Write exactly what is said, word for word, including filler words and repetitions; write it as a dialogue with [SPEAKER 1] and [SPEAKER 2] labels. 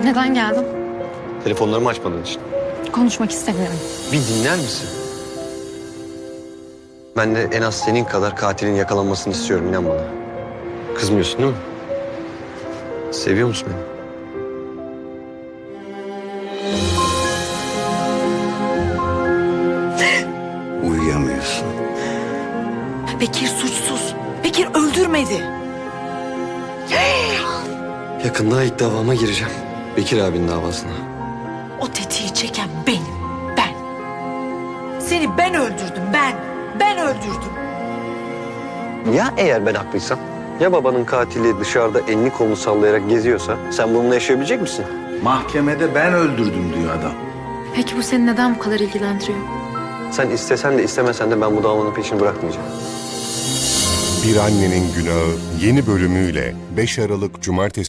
[SPEAKER 1] Neden geldin?
[SPEAKER 2] Telefonlarımı açmadığın için.
[SPEAKER 1] Konuşmak istemiyorum.
[SPEAKER 2] Bir dinler misin? Ben de en az senin kadar katilin yakalanmasını istiyorum, inan bana. Kızmıyorsun değil mi? Seviyor musun beni?
[SPEAKER 3] Uyuyamıyorsun.
[SPEAKER 4] Bekir suçsuz. Bekir öldürmedi.
[SPEAKER 2] Yakında ilk davama gireceğim. Bekir abinin davasına.
[SPEAKER 4] O tetiği çeken benim. Ben. Seni ben öldürdüm. Ben. Ben öldürdüm.
[SPEAKER 2] Ya eğer ben haklıysam? Ya babanın katili dışarıda elini kolunu sallayarak geziyorsa sen bununla yaşayabilecek misin?
[SPEAKER 3] Mahkemede ben öldürdüm diyor adam.
[SPEAKER 1] Peki bu seni neden bu kadar ilgilendiriyor?
[SPEAKER 2] Sen istesen de istemesen de ben bu davanın peşini bırakmayacağım.
[SPEAKER 5] Bir Annenin Günahı yeni bölümüyle beş Aralık Cumartesi